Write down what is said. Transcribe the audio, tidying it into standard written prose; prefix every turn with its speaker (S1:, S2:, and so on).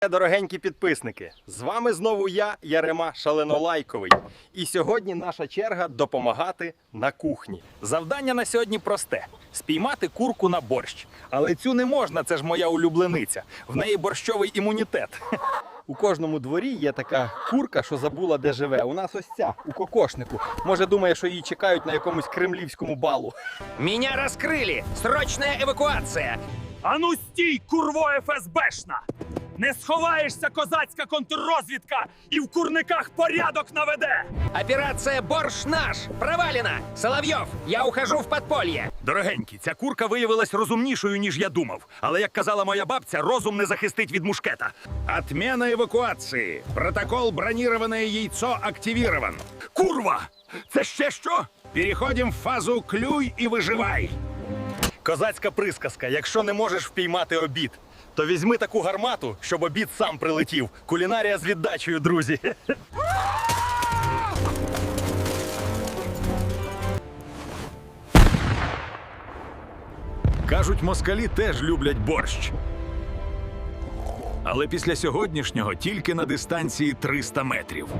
S1: Дорогенькі підписники, з вами знову я, Ярема Шаленолайковий. І сьогодні наша черга допомагати на кухні.
S2: Завдання на сьогодні просте – спіймати курку на борщ. Але цю не можна, це ж моя улюблениця. В неї борщовий імунітет.
S1: У кожному дворі є така курка, що забула, де живе. У нас ось ця, у кокошнику. Може, думає, що її чекають на якомусь кремлівському балу.
S3: Меня раскрыли! Срочная эвакуация!
S2: Ану стій, курво ФСБшна! Не сховаєшся, козацька контррозвідка, і в курниках порядок наведе!
S3: Операция «Борщ наш» провалена! Соловьев, я ухожу в подполье!
S2: Дорогенькі, ця курка виявилась розумнішою, ніж я думав. Але, як казала моя бабця, розум не захистить від мушкета.
S4: Отмена эвакуации. Протокол «Бронированное яйцо» активирован.
S2: Курва! Це ще що?
S4: Переходим в фазу «Клюй и выживай».
S1: Козацька присказка: якщо не можеш впіймати обід, то візьми таку гармату, щоб обід сам прилетів. Кулінарія з віддачею, друзі.
S2: Кажуть, москалі теж люблять борщ. Але після сьогоднішнього тільки на дистанції 300 метрів.